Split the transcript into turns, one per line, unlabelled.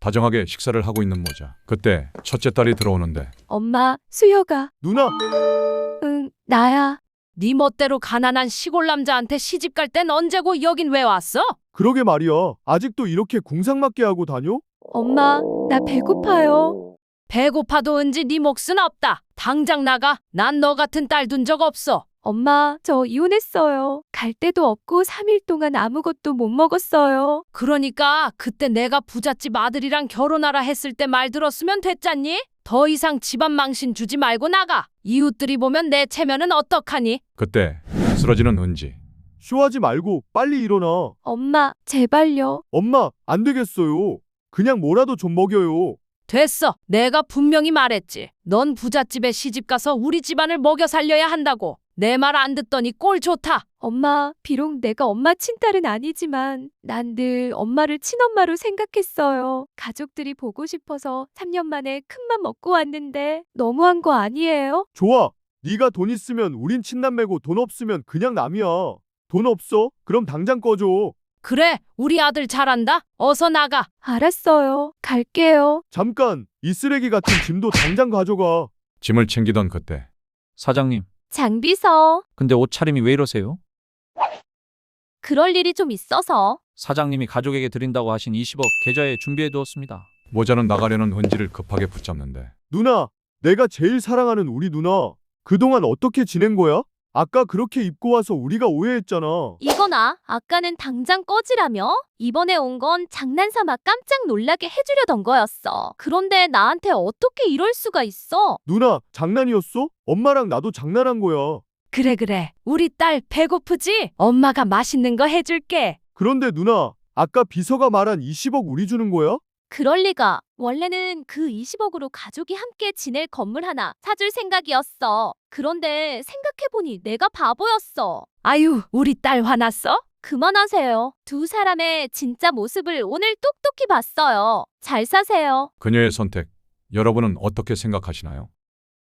다정하게 식사를 하고 있는 모자. 그때 첫째 딸이 들어오는데
엄마, 수혁아.
누나,
응, 나야.
네 멋대로 가난한 시골 남자한테 시집 갈 땐 언제고 여긴 왜 왔어?
그러게 말이야. 아직도 이렇게 궁상맞게 하고 다녀?
엄마, 나 배고파요.
배고파도 은지 네 몫은 없다. 당장 나가. 난 너 같은 딸 둔 적 없어.
엄마, 저 이혼했어요. 갈 데도 없고 3일 동안 아무것도 못 먹었어요.
그러니까 그때 내가 부잣집 아들이랑 결혼하라 했을 때 말 들었으면 됐잖니? 더 이상 집안 망신 주지 말고 나가. 이웃들이 보면 내 체면은 어떡하니?
그때 쓰러지는 은지.
쇼하지 말고 빨리 일어나.
엄마, 제발요.
엄마, 안 되겠어요. 그냥 뭐라도 좀 먹여요.
됐어. 내가 분명히 말했지. 넌 부잣집에 시집가서 우리 집안을 먹여 살려야 한다고. 내 말 안 듣더니 꼴 좋다.
엄마, 비록 내가 엄마 친딸은 아니지만 난 늘 엄마를 친엄마로 생각했어요. 가족들이 보고 싶어서 3년 만에 큰맘 먹고 왔는데 너무한 거 아니에요?
좋아. 네가 돈 있으면 우린 친남매고 돈 없으면 그냥 남이야. 돈 없어? 그럼 당장 꺼줘.
그래, 우리 아들 잘한다. 어서 나가.
알았어요. 갈게요.
잠깐, 이 쓰레기 같은 짐도 당장 가져가.
짐을 챙기던 그때
사장님,
장비서.
근데 옷차림이 왜 이러세요?
그럴 일이 좀 있어서.
사장님이 가족에게 드린다고 하신 20억 계좌에 준비해 두었습니다.
모자는 나가려는 은지를 급하게 붙잡는데
누나, 내가 제일 사랑하는 우리 누나. 그동안 어떻게 지낸 거야? 아까 그렇게 입고 와서 우리가 오해했잖아.
이거나 아까는 당장 꺼지라며? 이번에 온 건 장난삼아 깜짝 놀라게 해주려던 거였어. 그런데 나한테 어떻게 이럴 수가 있어?
누나, 장난이었어? 엄마랑 나도 장난한 거야.
그래. 우리 딸 배고프지? 엄마가 맛있는 거 해줄게.
그런데 누나, 아까 비서가 말한 20억 우리 주는 거야?
그럴 리가. 원래는 그 20억으로 가족이 함께 지낼 건물 하나 사줄 생각이었어. 그런데 생각해보니 내가 바보였어.
아유, 우리 딸 화났어?
그만하세요. 두 사람의 진짜 모습을 오늘 똑똑히 봤어요. 잘 사세요.
그녀의 선택, 여러분은 어떻게 생각하시나요?